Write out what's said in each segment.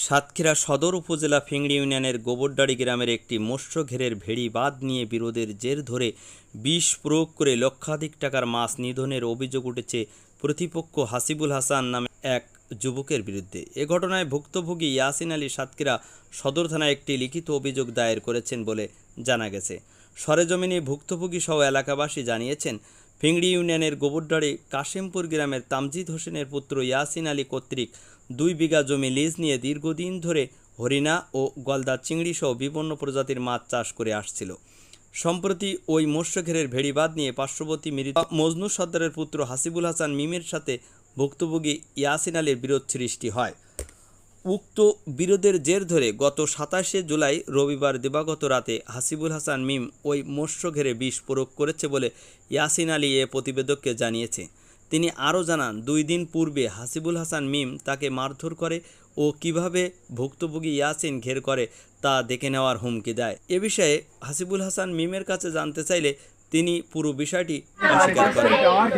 সাতক্ষীরা সদর উপজেলা ফিংড়ি ইউনিয়নের গোবরডাড়ি গ্রামের একটি মৎস্য ঘেরের ভেড়ি বাঁধ নিয়ে বিরোধের জের ধরে বিষ প্রয়োগ করে লক্ষাধিক টাকার মাছ নিধনের অভিযোগ উঠেছে প্রতিপক্ষ হাসিবুল হাসান নামে এক যুবকের বিরুদ্ধে। এ ঘটনায় ভুক্তভোগী ইয়াসিন আলী সাতক্ষীরা সদর থানায় একটি লিখিত অভিযোগ দায়ের করেছেন বলে জানা গেছে। সরেজমিনে ভুক্তভোগী সহ এলাকাবাসী জানিয়েছেন, ফিংড়ি ইউনিয়নের গোবরডাড়ি কাশিমপুর গ্রামের তামজিদ হোসেনের পুত্র ইয়াসিন আলী কর্তৃক 2 বিঘা জমি লিজ নিয়ে দীর্ঘদিন ধরে হরিণা ও গলদা চিংড়ি সহ বিভিন্ন প্রজাতির মাছ চাষ করে আসছিল। সম্প্রতি ওই মৎস্যঘেরের ভেড়িবাঁধ নিয়ে পার্শ্ববর্তী মৃত মজনু সর্দারের পুত্র হাসিবুল হাসান মিমের সাথে ভুক্তভোগী ইয়াসিন আলীর বিরোধ সৃষ্টি হয়। উক্ত বিরোধের জের ধরে গত 27শে জুলাই রবিবার দিবাগত রাতে হাসিবুল হাসান মিম ওই মৎস্যঘেরে বিষ প্রয়োগ করেছে বলে ইয়াসিন আলী এ প্রতিবেদককে জানিয়েছে। তিনি আরও জানান, 2 দিন পূর্বে হাসিবুল হাসান মিম তাকে মারধর করে ও কিভাবে ভুক্তভোগী ইয়াসিন ঘের করে তা দেখে নেওয়ার হুমকি দেয়। এ বিষয়ে হাসিবুল হাসান মিমের কাছে জানতে চাইলে তিনি পুরো বিষয়টি অস্বীকার করেন।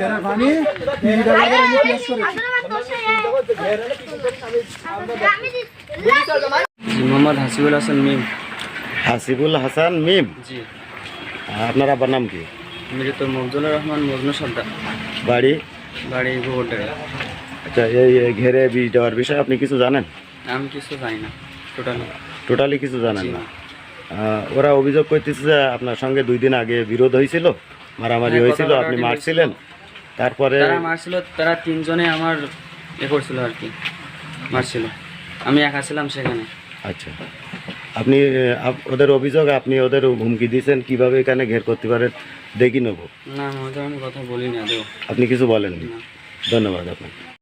মোহাম্মদ হাসিবুল হাসান মিম। হাসিবুল হাসান মিম, জি। আপনার আব্বার নাম কি? মৃত মফজুলুর রহমান মজনু সর্দার, বাড়ি? বাড়ি গোবরডাড়ি। আচ্ছা, এই ঘেরে বীজ দেওয়ার বিষয়ে আপনি কিছু জানেন? আমি কিছু জানি না, টোটালি কিছু জানেন না? ওরা অভিযোগ করতেছে যে আপনার সঙ্গে 2 দিন আগে বিরোধ হয়েছিল, মারামারি হয়েছিল, আপনি মারছিলেন, তারপরে তারা মারছিল, তারা 3 জনে আমার করছিল আর কি, মারছিল, আমি একা ছিলাম সেখানে। আচ্ছা, আপনি ওদের অভিযোগ আপনি ওদের হুমকি দিয়েছেন কিভাবে এখানে ঘের করতে পারেন দেখি নেব? না, আমি কথা বলিনি আদৌ। আপনি কিছু বলেননি? ধন্যবাদ আপনাকে।